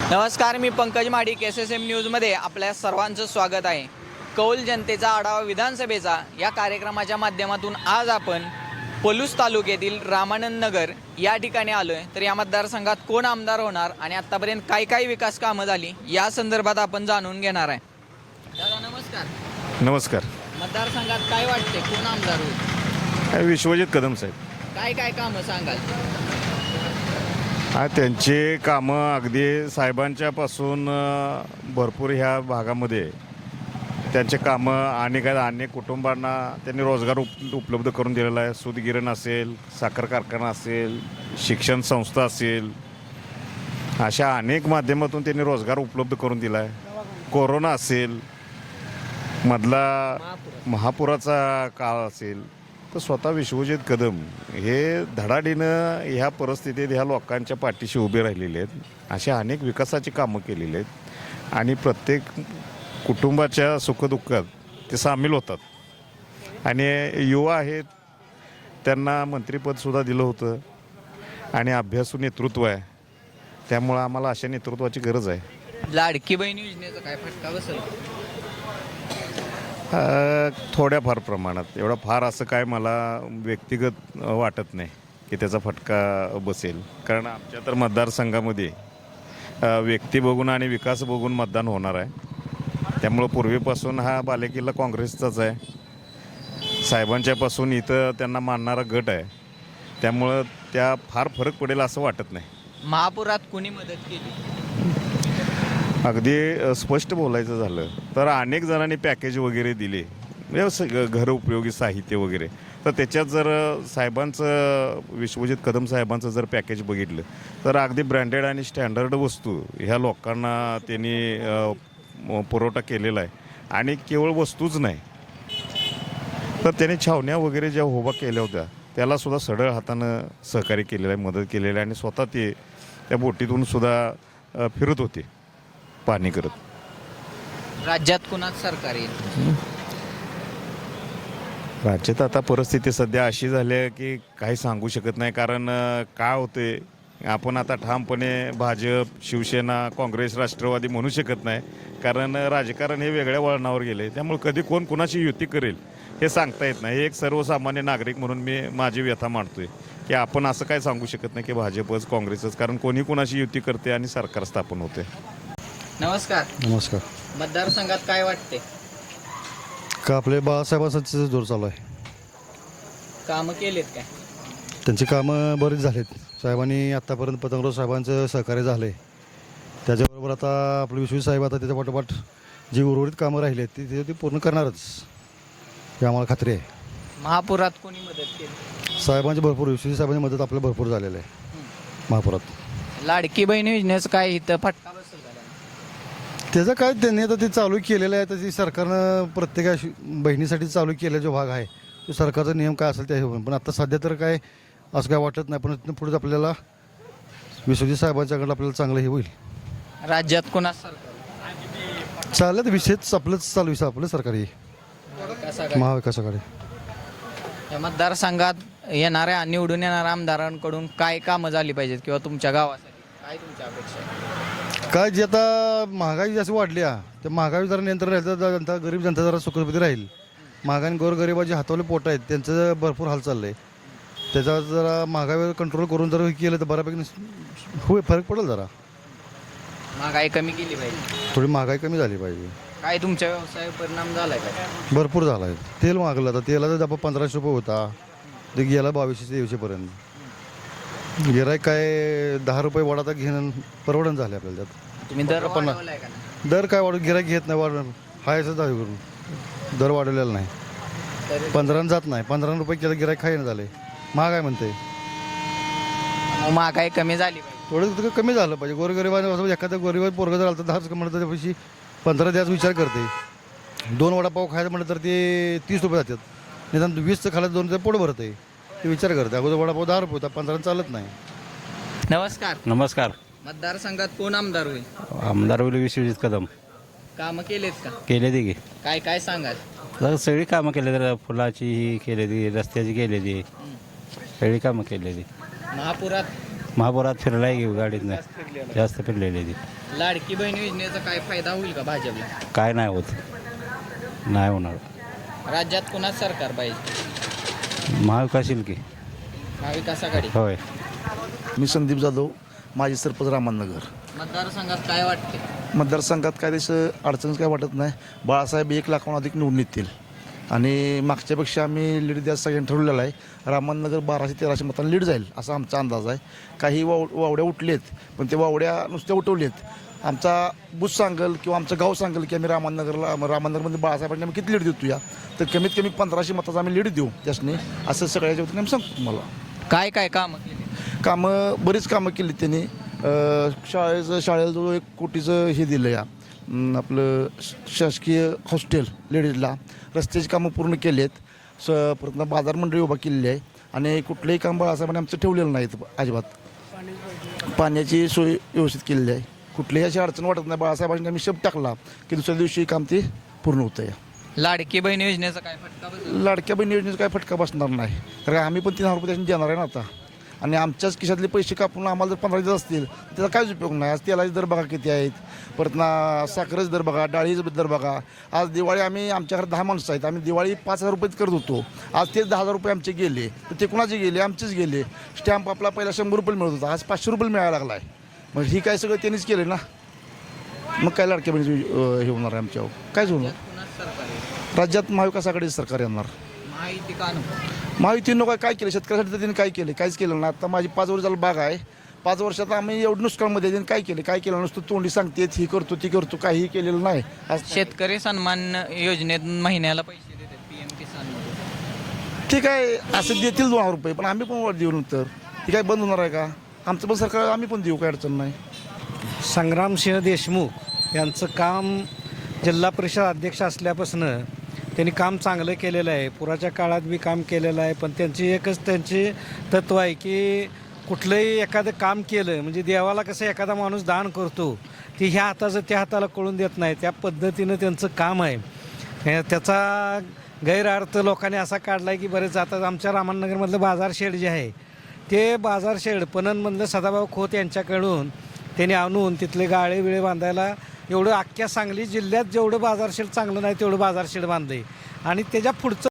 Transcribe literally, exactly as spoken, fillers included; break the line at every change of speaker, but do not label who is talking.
नमस्कार, मी Pankaj Madik, S S M न्यूजमध्ये आपल्या सर्वांचं स्वागत आहे. कौल जनतेचा आढावा विधानसभेचा या कार्यक्रमाच्या माध्यमातून आज आपण पलूस तालुक्यातील रामानंद नगर या ठिकाणी आलो आहे. तर या मतदारसंघात कोण आमदार होणार आणि आत्तापर्यंत काय काय विकास कामं झाली या संदर्भात आपण जाणून घेणार आहे. दादा नमस्कार.
नमस्कार.
मतदारसंघात काय वाटते, कोण आमदार होईल?
विश्वजित कदम साहेब.
काय काय कामं सांगाल?
हा त्यांचे कामं अगदी साहेबांच्यापासून भरपूर ह्या भागामध्ये त्यांचे कामं आणि काय अनेक कुटुंबांना त्यांनी रोजगार उप उपलब्ध करून दिलेला आहे. सूतगिरण असेल, साखर कारखाना असेल, शिक्षण संस्था असेल, अशा अनेक माध्यमातून त्यांनी रोजगार उपलब्ध करून दिला आहे. कोरोना असेल, मधला महापुराचा काळ असेल, तर स्वतः विश्वजित कदम हे धडाडीनं ह्या परिस्थितीत ह्या लोकांच्या पाठीशी उभे राहिलेले आहेत. अशा अनेक विकासाची कामं केलेली आहेत आणि प्रत्येक कुटुंबाच्या सुखदुःखात ते सामील होतात आणि युवा आहेत, त्यांना मंत्रिपदसुद्धा दिलं होतं आणि अभ्यासू नेतृत्व आहे. त्यामुळं आम्हाला अशा नेतृत्वाची गरज आहे.
लाडकी बहीण योजनेचा काय फटका बसेल?
थोड्याफार प्रमाणात, एवढा फार असं काय मला व्यक्तिगत वाटत नाही की त्याचा फटका बसेल. कारण आमच्या तर मतदारसंघामध्ये व्यक्ती बघून आणि विकास बघून मतदान होणार आहे. त्यामुळं पूर्वीपासून हा बालेकिल्ला काँग्रेसचाच आहे. साहेबांच्यापासून इथं त्यांना मानणारा गट आहे. त्यामुळं त्या फार फरक पडेल असं वाटत नाही.
महापुरात कोणी मदत केली?
अगदी स्पष्ट बोलायचं झालं तर अनेक जणांनी पॅकेज वगैरे दिले, म्हणजे घर उपयोगी साहित्य वगैरे. तर त्याच्यात जर साहेबांचं, विश्वजित कदम साहेबांचं जर पॅकेज बघितलं तर अगदी ब्रँडेड आणि स्टँडर्ड वस्तू ह्या लोकांना त्यांनी पुरवठा केलेला आहे. आणि केवळ वस्तूच नाही तर त्यांनी छावण्या वगैरे ज्या उभा केल्या होत्या त्यालासुद्धा सढळ हातानं सहकार्य केलेलं आहे, मदत केलेली आहे. आणि स्वतः ते त्या बोटीतून सुद्धा फिरत होते पाणी करत.
राज्यात कुणाच सरकार येईल?
राज्यात आता परिस्थिती सध्या अशी झाली आहे की काही सांगू शकत नाही. कारण काय होते, आपण आता ठामपणे भाजप, शिवसेना, काँग्रेस, राष्ट्रवादी म्हणू शकत नाही. कारण राजकारण हे वेगळ्या वळणावर गेले. त्यामुळे कधी कोण कुणाची युती करेल हे सांगता येत नाही. हे एक सर्वसामान्य नागरिक म्हणून मी माझी व्यथा मांडतोय की आपण असं काय सांगू शकत नाही की भाजपच, काँग्रेसच. कारण कोणी कुणाची युती करते आणि सरकार स्थापन होते.
नमस्कार.
नमस्कार.
मतदारसंघात काय वाटते?
का आपले बाळासाहेबांचं जोर चालू आहे.
कामं केलेत काय?
त्यांची कामं बरीच झालीत. साहेबांनी आत्तापर्यंत पतंगराव साहेबांचं सहकार्य झालं आहे. त्याच्याबरोबर आता आपले विश्वजित साहेब आता त्याच्या पाठोपाठ जी उर्वरित कामं राहिली आहेत ती ते पूर्ण करणारच ही आम्हाला खात्री आहे.
महापुरात कोणी मदत केली?
साहेबांची भरपूर, विश्वजित साहेबांची मदत आपल्याला भरपूर झालेलं आहे महापुरात.
लाडकी बहीण योजनेचं काय इथं फटका बसेल का?
त्याचं काय त्यांनी आता ते चालू केलेलं आहे. तर ती सरकारनं प्रत्येका बहिणीसाठी चालू केलेला जो भाग आहे तो सरकारचा नियम काय असेल त्या हिशोबाने. पण आता सध्या तर काय असं काय वाटत नाही. पण इथून पुढे आपल्याला विश्वजित साहेबांच्याकडे आपल्याला चांगलं हे होईल.
राज्यात कुणाच सरकार?
चाललं तर विषयच आपलंच चालू आहे, आपलं सरकारी महाविकास आघाडी.
या मतदारसंघात येणाऱ्या, निवडून येणाऱ्या आमदारांकडून काय कामं झाली पाहिजेत किंवा तुमच्या गावासाठी काय तुमच्या अपेक्षा?
काय जी आता महागाई जास्त वाढली आहे त्या महागाई जरा नियंत्रण राहिलं तर जनता, गरीब जनता जरा सुखरूपी राहील. महागाई गोरगरिबाचे हातावले पोट आहेत त्यांचं भरपूर हाल चाललं आहे. त्याचा जरा महागाईवर कंट्रोल करून जर केलं तर बऱ्यापैकी होय फरक पडेल. जरा
महागाई कमी केली पाहिजे,
थोडी महागाई कमी झाली पाहिजे.
काय तुमच्या व्यवसायावर परिणाम झालाय का?
भरपूर झाला आहे. तेल मागलं आता, तेलाचा डबा पंधराशे रुपये होता ते गेला बावीसशे तेवीसशेपर्यंत. गिराईक काय दहा रुपये वाढ आता घेणं परवडण झाले आपल्याला. त्यात
तुम्ही दर
पण
वाढवलाय का नाही?
दर काय वाढ गिराईक घेत नाही, वाढ हाय असं दहा करून दर वाढवलेला नाही.
तरी
पंधरानं जात नाही, पंधरा रुपये केलं गिराईक खायनं झाले. महाग आहे म्हणते.
मग महागाई कमी झाली पाहिजे.
थोडं तिथं कमी झालं पाहिजे. गोरगरिबाने असं एखाद्या गोरगरीब पोरगं जर आलं तर दहाच म्हणतं त्यापेक्षा पंधरा द्यायचा विचार करते. दोन वडापाव खायचं म्हटलं तर ते तीस रुपये जातात. निदान वीसचं खायला दोन रुपये पोट भरत आहे ते विचार करते. अगोदर वडापाव दहा रुपये होता, पंधरा चालत नाही.
नमस्कार.
नमस्कार.
मतदारसंघात कोण आमदार होईल?
आमदार होईल विश्वजित कदम.
कामं केलेत का?
केले ती
काय काय सांगाल?
की सगळी कामं केले तर फुलाची ही केली ती, रस्त्याची केली ती, सगळी कामं केली ती.
महापुरात
महापुरात फिरलाय घेऊ गाडीत नाही जास्त फिरलेली ती
लाडकी बहीण योजनेचा काय फायदा होईल का भाजपला?
काय नाही होत नाही होणार
राज्यात कुणाच सरकार पाहिजे?
महाविकास येईल की
महाविकास आघाडी.
होय
मी संदीप जाधव माजी सरपंच रामनगर.
मतदारसंघात काय वाटते?
मतदारसंघात काय तसं अडचणच काय वाटत नाही. बाळासाहेब एक लाखाहून अधिक निवडून येतील आणि मागच्यापेक्षा आम्ही लीड द्यायचं सगळ्यांनी ठरवलेलं आहे. रामनगर बाराशे तेराशे मतांनी लीड जाईल असा आमचा अंदाज आहे. काही वाव वावड्या उठलेत पण ते वावड्या नुसत्या उठवलेत. आमचा बुथ सांगल किंवा आमचं गाव सांगल की आम्ही रामनगरला रामनगरमध्ये बाळासाहेबांनी आम्ही किती लीड देतो या तर कमीत कमी पंधराशे मताचा आम्ही लीड देऊ त्यासनी असं सगळ्याच्या वतीने आम्ही सांगतो तुम्हाला.
काय काय कामं केली?
कामं बरीच कामं केली त्यांनी. शाळेचं शाळेला जवळ एक कोटीचं हे दिलं या अं, आपलं श- शासकीय हॉस्टेल लेडीजला. रस्त्याची कामं पूर्ण केली आहेत. स परत बाजार मंडळी उभा केलेली आहे आणि कुठलंही काम बाळासाहेबांनी आमचं ठेवलेलं नाही इथं अजिबात. पाण्याची सोय व्यवस्थित केलेली आहे. कुठलीही अशी अडचण वाटत नाही. बाळासाहेबांनी आम्ही शब्द टाकला की दुसऱ्या दिवशी काम ते पूर्ण होतं या.
लाडकी बहीण योजनेचा काय फटका बसेल?
लाडक्या बहीण योजनेचा काय फटका बसणार नाही कारण आम्ही पण तीन हजार रुपये त्याच्याने देणार आहे ना आता. आणि आमच्याच खिशातले पैसे कापून आम्हाला जर पंधरा देत असतील त्याचा काहीच उपयोग नाही. आज तेलाचे दर बघा किती आहेत. परत ना साखरेचे दर बघा, डाळीचे दर बघा. आज दिवाळी आम्ही आमच्या घरात दहा माणसं आहेत. आम्ही दिवाळी पाच हजार रुपयेच करत होतो. आज तेच दहा हजार रुपये आमचे गेले तर ते कुणाचे गेले? आमचेच गेले. स्टॅम्प आपला पहिला शंभर रुपये मिळत होता आज पाचशे रुपये मिळायला लागला आहे. मग ही काय सगळं त्यांनीच केलं ना. मग काय लाडक्या बहिणीचं हे होणार आहे आमच्यावर? कायच होणार.
कुणाच सरकार आहे?
राज्यात महाविकास आघाडीचं सरकार येणार.
माहिती का नको?
महायुतीनं काय काय केलं शेतकऱ्यासाठी तर त्यांनी काय केलं? काहीच केलं ना. आता माझी पाच वर्ष झालं बाग आहे. पाच वर्षात आम्ही एवढं नुकसानमध्ये त्यांनी काय केलं? काय केलं नुसतं तोंडी सांगतेत ही करतो ती करतो काहीही केलेलं नाही. आज
शेतकरी सन्मान योजनेत महिन्याला पैसे देतात पी एम किसान मध्ये.
ठीक आहे असं देतील दोन हजार रुपये पण आम्ही पण वर देऊ नंतर. ती काय बंद होणार आहे का? आमचं पण सरकार आम्ही पण देऊ काय अडचण नाही.
संग्रामसिंह देशमुख यांचं काम जिल्हा परिषद अध्यक्ष असल्यापासून त्यांनी काम चांगलं केलेलं आहे. पुराच्या काळात बी काम केलेलं आहे. पण त्यांची एकच त्यांची तत्व आहे की कुठलंही एखादं काम केलं म्हणजे देवाला कसं एखादा माणूस दान करतो ती ह्या हाताचं त्या हाताला कळून देत नाही त्या पद्धतीनं त्यांचं काम आहे. हे त्याचा गैरअर्थ लोकांनी असा काढला आहे की बरेच आता आमच्या रामनगरमधलं बाजार शेड जे आहे ते बाजार शेड पणनमधलं सदाभाऊ खोत यांच्याकडून त्यांनी आणून तिथले गाळे बिळे बांधायला एवढं अख्ख्या सांगली जिल्ह्यात जेवढं बाजार शेड चांगलं नाही तेवढं बाजार शेड बांधलं आहे आणि त्याच्या पुढचं